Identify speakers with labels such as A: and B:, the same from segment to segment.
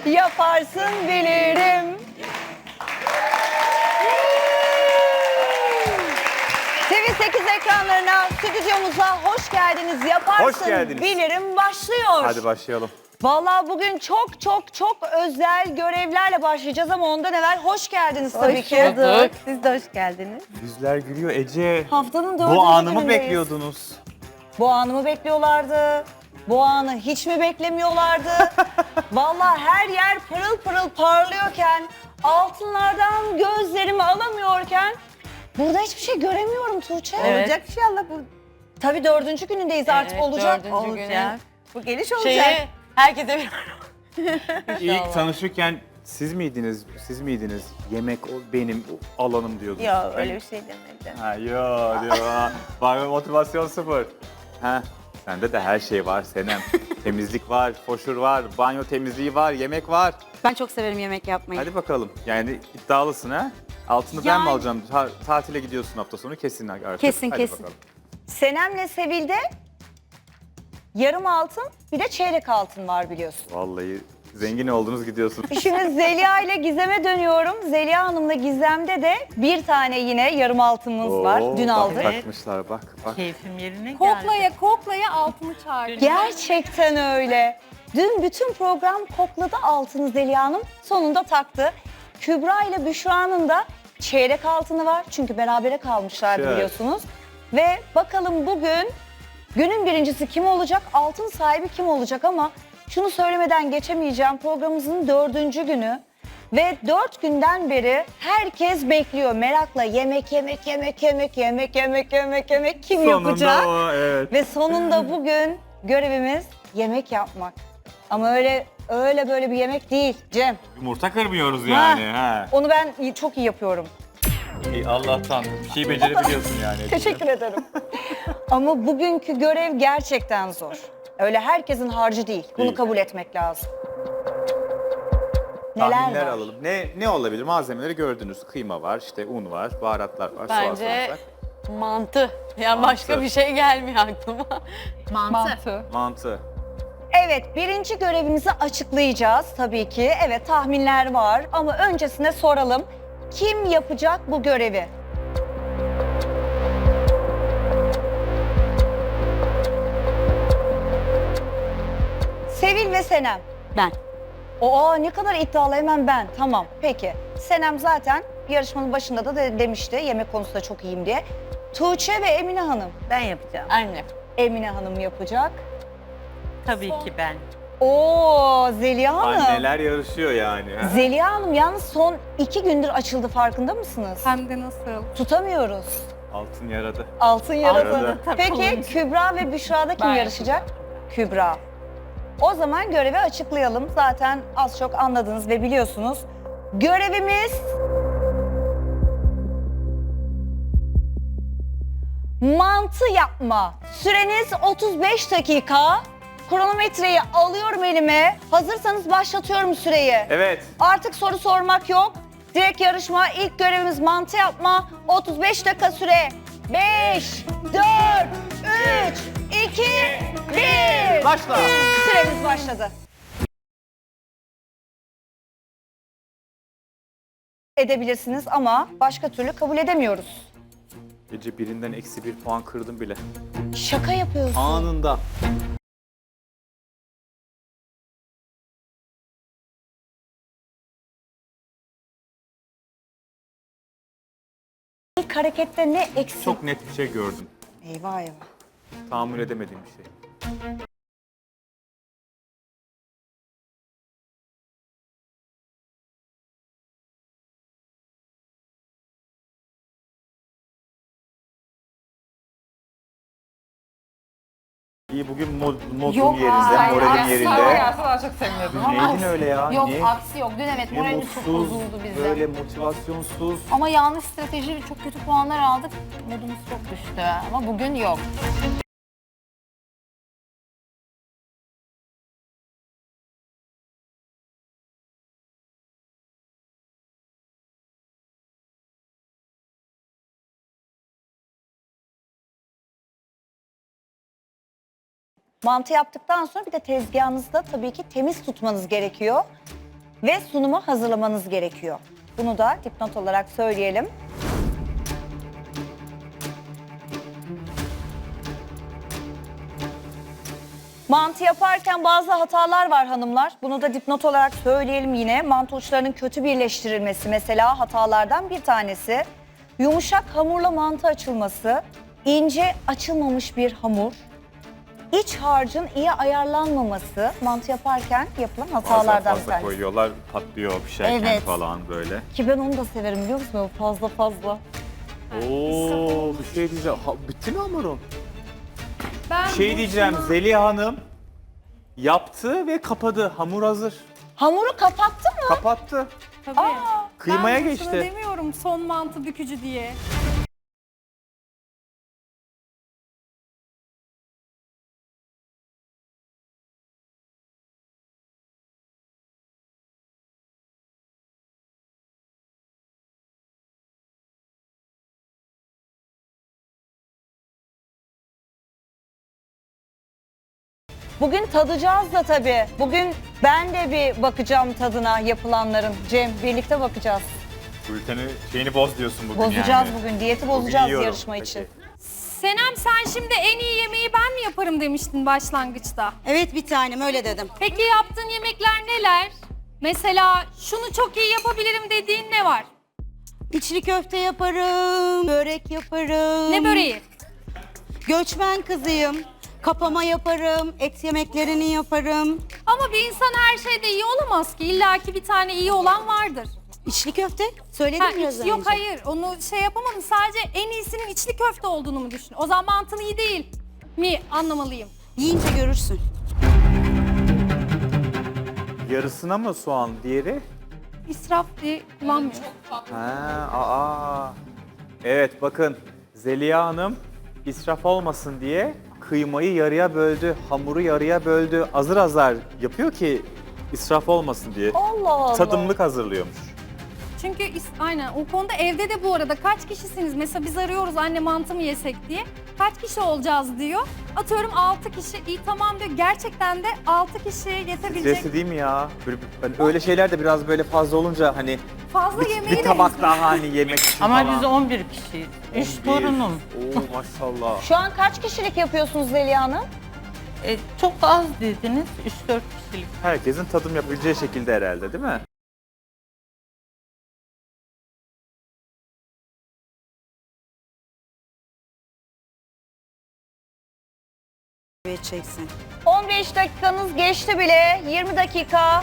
A: Yaparsın bilirim. TV8 ekranlarına, stüdyomuza hoş geldiniz. Yaparsın
B: Hoş geldiniz.
A: bilirim başlıyor.
B: Hadi başlayalım.
A: Vallahi bugün çok özel görevlerle başlayacağız ama ondan evvel hoş geldiniz tabii ki.
C: bulduk. Siz de hoş geldiniz.
B: Yüzler gülüyor Ece.
A: Haftanın dördüncü
B: Bu anı mı
A: günündeyiz.
B: bekliyordunuz?
A: Bu anı mı bekliyorlardı? Bu anı hiç mi beklemiyorlardı? Vallahi her yer pırıl pırıl parlıyorken, altınlardan gözlerimi alamıyorken burada hiçbir şey göremiyorum Tuğçe.
C: Evet.
A: Olacak inşallah bu. Tabii dördüncü günündeyiz artık olacak.
C: Dördüncü günü.
A: Bu geliş olacak.
C: Şeyi herkese bir...
B: İlk tanışırken siz miydiniz? Yemek benim alanım diyordunuz.
C: Yok öyle bir şey demedim.
B: Ha yo diyor. Var mı motivasyon sıfır? Ha. Sende de her şey var Senem. Temizlik var, foşur var, banyo temizliği var, yemek var.
D: Ben çok severim yemek yapmayı.
B: Hadi bakalım. Yani iddialısın ha? Altını ben mi
D: Yani-
B: alacağım? Tatile gidiyorsun hafta sonu kesin artık.
D: Kesin,
B: Hadi
D: kesin.
B: bakalım.
A: Senem'le Sevil'de yarım altın bir de çeyrek altın var biliyorsun.
B: Vallahi zengin oldunuz gidiyorsunuz.
A: Şimdi Zeliha ile Gizem'e dönüyorum. Zeliha Hanım'la Gizem'de de bir tane yine yarım altınımız var. Dün
B: bak,
A: aldık.
B: takmışlar bak.
C: Keyfim yerine geldi.
D: Koklaya altını çağırdı.
A: Gerçekten öyle. Dün bütün program kokladı altını Zeliha Hanım. Sonunda taktı. Kübra ile Büşra'nın da çeyrek altını var. Çünkü berabere kalmışlardı
B: Evet.
A: biliyorsunuz. Ve bakalım bugün günün birincisi kim olacak? Altın sahibi kim olacak? Ama şunu söylemeden geçemeyeceğim. Programımızın 4. günü. Ve 4 günden beri herkes bekliyor merakla yemek kim yapacak?
B: Sonunda o, evet.
A: Ve sonunda bugün görevimiz yemek yapmak. Ama öyle böyle bir yemek değil Cem.
B: Yumurta kırmıyoruz yani. Ha.
A: Onu ben çok iyi yapıyorum.
B: İyi, Allah'tan bir şey becerebiliyorsun yani.
A: Teşekkür ederim. Ama bugünkü görev gerçekten zor. Öyle herkesin harcı değil. Bunu
B: Değil.
A: kabul etmek lazım. Neler
B: Tahminler
A: var?
B: alalım. Ne olabilir? Malzemeleri gördünüz. Kıyma var, işte un var, baharatlar var, soğan,
C: Bence
B: sarımsak.
C: mantı. Yani
B: Mantı.
C: başka bir şey gelmiyor aklıma.
B: Mantı.
A: Evet, birinci görevimizi açıklayacağız tabii ki. Evet, tahminler var ama öncesine soralım. Kim yapacak bu görevi? Sevil ve Senem.
D: Ben.
A: Ne kadar iddialı, hemen ben. Tamam, peki. Senem zaten yarışmanın başında da demişti yemek konusunda çok iyiyim diye. Tuğçe ve Emine Hanım.
C: Ben yapacağım. Annem.
A: Emine Hanım yapacak.
C: Tabii ki ben.
A: Zeliha Hanım.
B: Anneler yarışıyor yani. ha?
A: Zeliha Hanım yalnız son 2 gündür açıldı, farkında mısınız?
D: Hem de nasıl?
A: Tutamıyoruz.
B: Altın yaradı.
A: Altın yaradı.
B: Yaradı.
A: Peki Kübra ve Büşra'da kim
C: Ben
A: yarışacak? Kübra. O zaman görevi açıklayalım. Zaten az çok anladınız ve biliyorsunuz. Görevimiz... Mantı yapma. Süreniz 35 dakika. Kronometreyi alıyorum elime. Hazırsanız başlatıyorum süreyi.
B: Evet.
A: Artık soru sormak yok. Direkt yarışma. İlk görevimiz mantı yapma. 35 dakika süre. 5, 4, 3, 2, 1.
B: Başla.
A: Süremiz başladı. Edebilirsiniz ama başka türlü kabul edemiyoruz.
B: Gece birinden -1 puan kırdım bile.
A: Şaka yapıyorsun.
B: Anında.
A: İlk harekette ne eksik?
B: Çok net bir şey gördüm.
A: Eyvah eyvah.
B: Tahammül edemediğim bir şey. İyi, bugün modum
D: Yok,
B: yerinde,
D: hayır,
B: moralim
D: hayır,
B: yerinde.
E: Daha çok seviniyordum.
B: Dün neydin öyle ya?
D: Yok
B: Niye?
D: aksi yok. Dün evet
B: Ne
D: moralimiz çok
B: mutsuz,
D: bozuldu bizim.
B: böyle motivasyonsuz.
D: Ama yanlış strateji çok kötü puanlar aldık. Modumuz çok düştü. Ama bugün yok.
A: Mantı yaptıktan sonra bir de tezgahınızda tabii ki temiz tutmanız gerekiyor. ve sunuma hazırlamanız gerekiyor. Bunu da dipnot olarak söyleyelim. Mantı yaparken bazı hatalar var hanımlar. Bunu da dipnot olarak söyleyelim yine. Mantı uçlarının kötü birleştirilmesi mesela hatalardan bir tanesi. Yumuşak hamurla mantı açılması, ince açılmamış bir hamur, iç harcın iyi ayarlanmaması mantı yaparken yapılan hatalardan bir
B: Fazla
A: tanesi.
B: koyuyorlar, patlıyor pişerken
A: Evet.
B: falan böyle.
A: Ki ben onu da severim biliyor musun? O fazla fazla.
B: Oo, bir şey diyeceğim. Bitti mi hamurum?
E: Ben
B: Bir şey diyeceğim. Zeliha Hanım yaptı ve kapadı. Hamur hazır.
A: Hamuru kapattın mı?
B: Kapattı.
E: Tabii.
B: Kıymaya
E: ben
B: geçti.
E: Ben demiyorum son mantı bükücü diye.
A: Bugün tadacağız da tabii. Bugün ben de bir bakacağım tadına yapılanların. Cem birlikte bakacağız.
B: Gülten'i şeyini boz diyorsun bugün
A: Bozacağız
B: yani.
A: bugün. Diyeti
B: Bugün
A: bozacağız
B: yiyorum.
A: yarışma
B: Peki.
A: için.
E: Senem sen şimdi en iyi yemeği ben mi yaparım demiştin başlangıçta.
F: Evet bir tanem öyle dedim.
E: Peki yaptığın yemekler neler? Mesela şunu çok iyi yapabilirim dediğin ne var?
F: İçli köfte yaparım, börek yaparım.
E: Ne böreği?
F: Göçmen kızıyım. Kapama yaparım, et yemeklerini yaparım.
E: Ama bir insan her şeyde iyi olamaz ki. İlla ki bir tane iyi olan vardır.
F: İçli köfte söyledim biraz önce.
E: Yok hayır onu şey yapamadım. Sadece en iyisinin içli köfte olduğunu mu düşün? O zaman mantın iyi değil mi anlamalıyım.
F: Yiyince görürsün.
B: Yarısına mı soğan, diğeri?
E: İsraf diye kullanmıyorum.
B: Evet bakın Zeliha Hanım israf olmasın diye kıymayı yarıya böldü, hamuru yarıya böldü. Azar azar yapıyor ki israf olmasın diye.
A: Allah Allah.
B: Tadımlık hazırlıyormuş.
E: Çünkü aynen o konuda evde de bu arada kaç kişisiniz? Mesela biz arıyoruz anne mantı mı yesek diye. Kaç kişi olacağız diyor. Atıyorum 6 kişi. İyi tamam diyor. Gerçekten de 6 kişiye yetebilecek
B: Stresli değil mi ya? Böyle, hani öyle şeyler de biraz böyle fazla olunca hani
E: fazla yemeği
B: bir
E: de
B: tabak daha hani yemek için
C: Ama
B: falan.
C: biz 11 kişiyiz. 3
B: 11.
C: torunum.
B: Oo maşallah.
A: Şu an kaç kişilik yapıyorsunuz Zeliha Hanım?
C: Çok az dediniz. 3-4 kişilik.
B: Herkesin tadım yapabileceği şekilde herhalde değil mi?
F: Evet çeksin.
A: 15 dakikanız geçti bile. 20 dakika.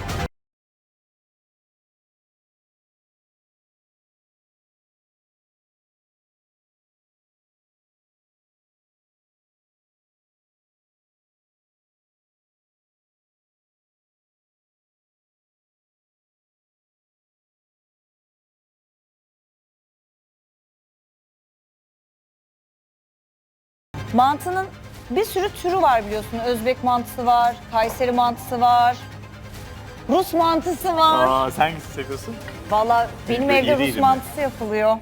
A: Mantının bir sürü türü var biliyorsun. Özbek mantısı var, Kayseri mantısı var, Rus mantısı var.
B: Sen hangisini seviyorsun?
A: Vallahi benim
B: İyi
A: evde
B: değil
A: Rus
B: mi?
A: mantısı yapılıyor.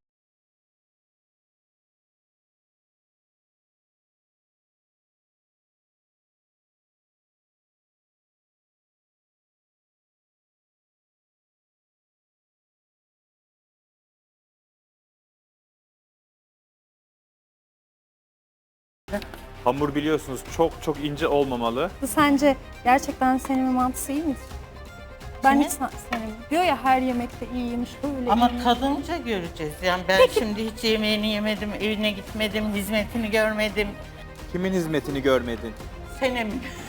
B: Hamur biliyorsunuz çok çok ince olmamalı.
E: Sence gerçekten senin mantısı iyi midir? Ben hiç sevmiyorum. Diyor ya her yemekte iyiymiş öyle
C: Ama
E: iyiymiş.
C: tadınca göreceğiz. Yani ben şimdi hiç yemeğini yemedim, evine gitmedim, hizmetini görmedim.
B: Kimin hizmetini görmedin?
C: Senem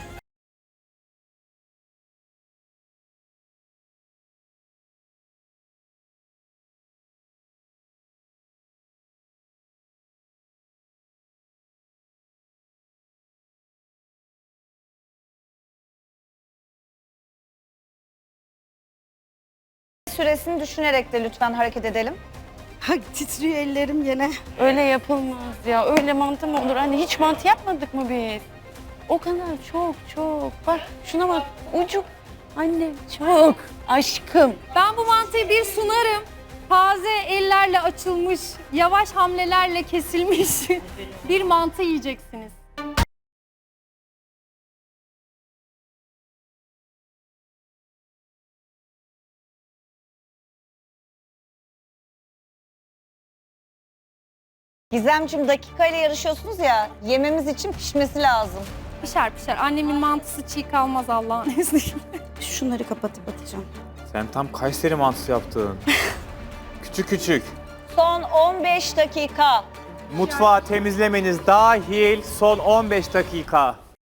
A: Süresini düşünerek de lütfen hareket edelim.
F: Ay, titriyor ellerim gene.
C: öyle yapılmaz ya. Öyle mantı mı olur? Hani hiç mantı yapmadık mı biz? O kadar çok çok. Bak şuna bak. Ucuk. Anne çok. Aşkım.
E: Ben bu mantıyı bir sunarım. Taze ellerle açılmış, yavaş hamlelerle kesilmiş bir mantı yiyeceksiniz.
A: Gizemciğim dakikayla yarışıyorsunuz ya, yememiz için pişmesi lazım.
E: Pişer pişer. Annemin mantısı çiğ kalmaz Allah'ın izniyle.
F: Şunları kapatıp atacağım.
B: Sen tam Kayseri mantısı yaptın. Küçük küçük.
A: Son 15 dakika.
B: Mutfağı temizlemeniz dahil son 15 dakika.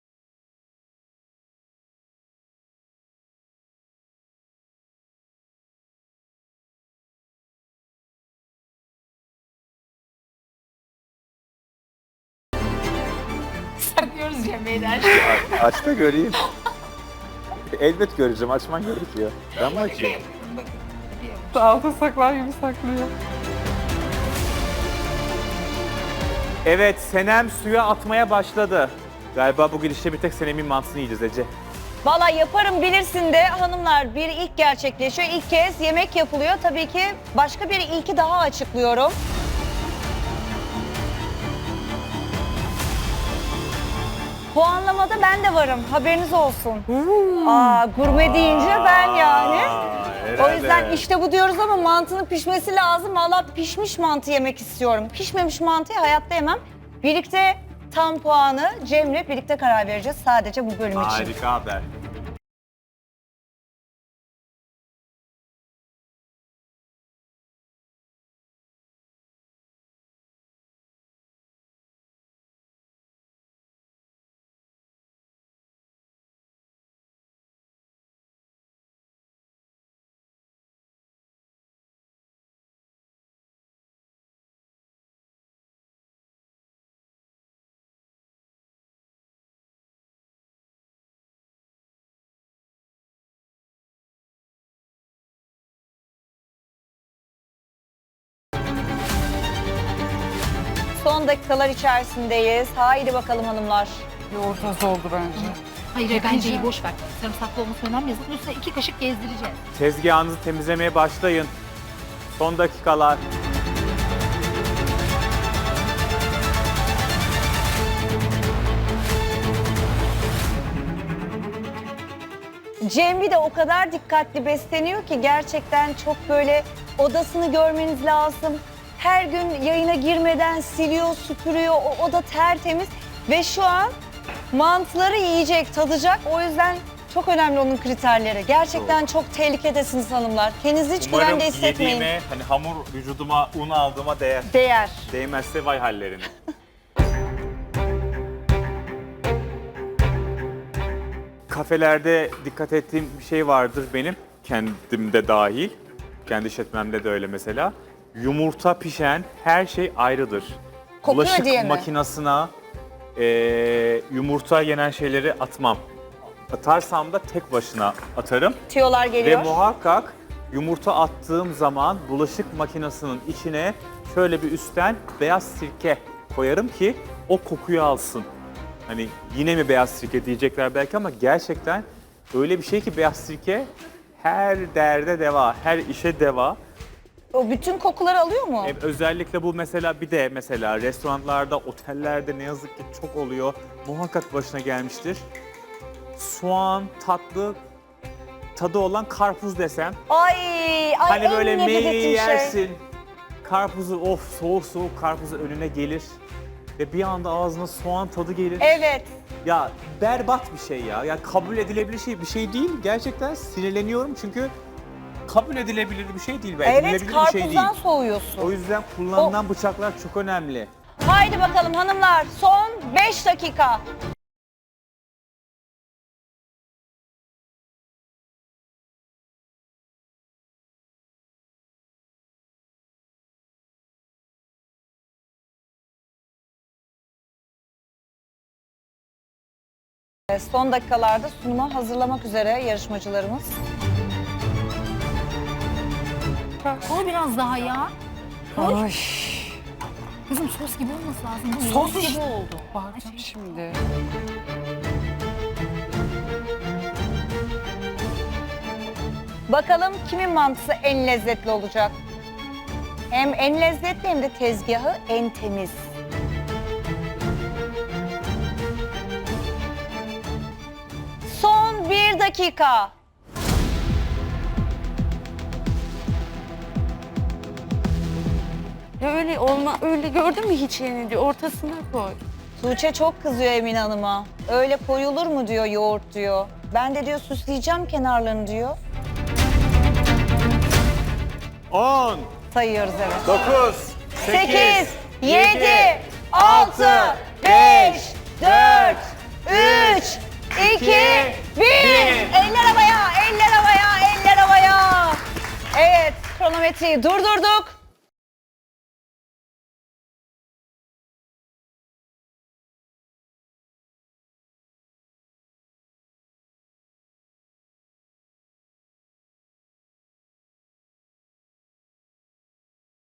D: Saklıyoruz Cemre'den.
B: Aç da göreyim. Elbet göreceğim. Açman gerekiyor. Ben mi açayım?
C: Altın saklar gibi saklıyor.
B: Evet, Senem suya atmaya başladı. Galiba bu gidişle bir tek Senem'in mantısını yiyeceğiz Ece.
A: Valla yaparım bilirsin de hanımlar, bir ilk gerçekleşiyor. İlk kez yemek yapılıyor. Tabii ki başka bir ilki daha açıklıyorum. Puanlamada ben de varım. Haberiniz olsun. Aa, gurme deyince ben yani. O yüzden işte bu diyoruz ama mantının pişmesi lazım. Valla pişmiş mantı yemek istiyorum. Pişmemiş mantıyı hayatta yemem. Birlikte tam puanı Cem'le birlikte karar vereceğiz sadece bu bölüm için.
B: Harika haber.
A: Son dakikalar içerisindeyiz. Haydi bakalım hanımlar.
C: Yoğurtası oldu bence.
D: Hayır bence iyi boş ver. Sarımsaklı olması önemli. Yazık üstüne 2 kaşık gezdireceğiz.
B: Tezgahınızı temizlemeye başlayın. Son dakikalar.
A: Cembi de o kadar dikkatli besleniyor ki gerçekten çok böyle odasını görmeniz lazım. Her gün yayına girmeden siliyor, süpürüyor. O oda tertemiz ve şu an mantıları yiyecek, tadacak. O yüzden çok önemli onun kriterleri. Gerçekten çok tehlikedesiniz hanımlar. Kendinizi hiç güvende hissetmeyin.
B: yediğime, hani hamur vücuduma, un aldığıma değer.
A: Değer.
B: Değmezse vay hallerine. Kafelerde dikkat ettiğim bir şey vardır benim, kendimde dahil. Kendi işletmemde de öyle mesela. Yumurta pişen her şey ayrıdır.
A: Kokuyor
B: Bulaşık
A: diye mi?
B: makinesine yumurta yenen şeyleri atmam. Atarsam da tek başına atarım.
A: Tüyolar
B: Ve
A: geliyor.
B: muhakkak yumurta attığım zaman bulaşık makinesinin içine şöyle bir üstten beyaz sirke koyarım ki o kokuyu alsın. Hani yine mi beyaz sirke diyecekler belki ama gerçekten öyle bir şey ki beyaz sirke her derde deva, her işe deva.
A: O bütün kokuları alıyor mu?
B: Özellikle bu mesela bir de mesela restoranlarda, otellerde ne yazık ki çok oluyor. Muhakkak başına gelmiştir. Soğan, tatlı, tadı olan karpuz desem.
A: Ay
B: Hani
A: en
B: böyle
A: nefret
B: meyveyi
A: ettiğim şey.
B: yersin. Karpuzu soğuk soğuk karpuzu önüne gelir. Ve bir anda ağzına soğan tadı gelir.
A: Evet.
B: Ya berbat bir şey ya. Ya kabul edilebilir bir şey değil. Gerçekten sinirleniyorum çünkü kabul edilebilir bir şey değil.
A: Evet,
B: Edilebilir bir şey değil.
A: karpuzdan soğuyorsun.
B: O yüzden kullanılan bıçaklar çok önemli.
A: Haydi bakalım hanımlar, son 5 dakika. Son dakikalarda sunuma hazırlamak üzere yarışmacılarımız.
D: Koy biraz daha ya.
C: Ay.
D: Kızım sos gibi olması lazım. Bu
C: Sos
D: yoğurt
C: işte.
D: gibi oldu.
C: Bağıracağım şimdi.
A: Bakalım kimin mantısı en lezzetli olacak? Hem en lezzetli hem de tezgahı en temiz. Son 1 dakika.
C: Ya öyle öyle olma, öyle gördün mü hiç yeni diyor. Ortasına koy.
A: Tuğçe çok kızıyor Emine Hanım'a. Öyle koyulur mu diyor yoğurt diyor. Ben de diyor süsleyeceğim kenarlarını diyor.
B: 10,
A: Sayıyoruz evet.
B: 9,
A: 8, 7, 6, 5, 4, 3, 2, 1. Eller havaya, eller havaya, eller havaya. Evet, kronometreyi durdurduk.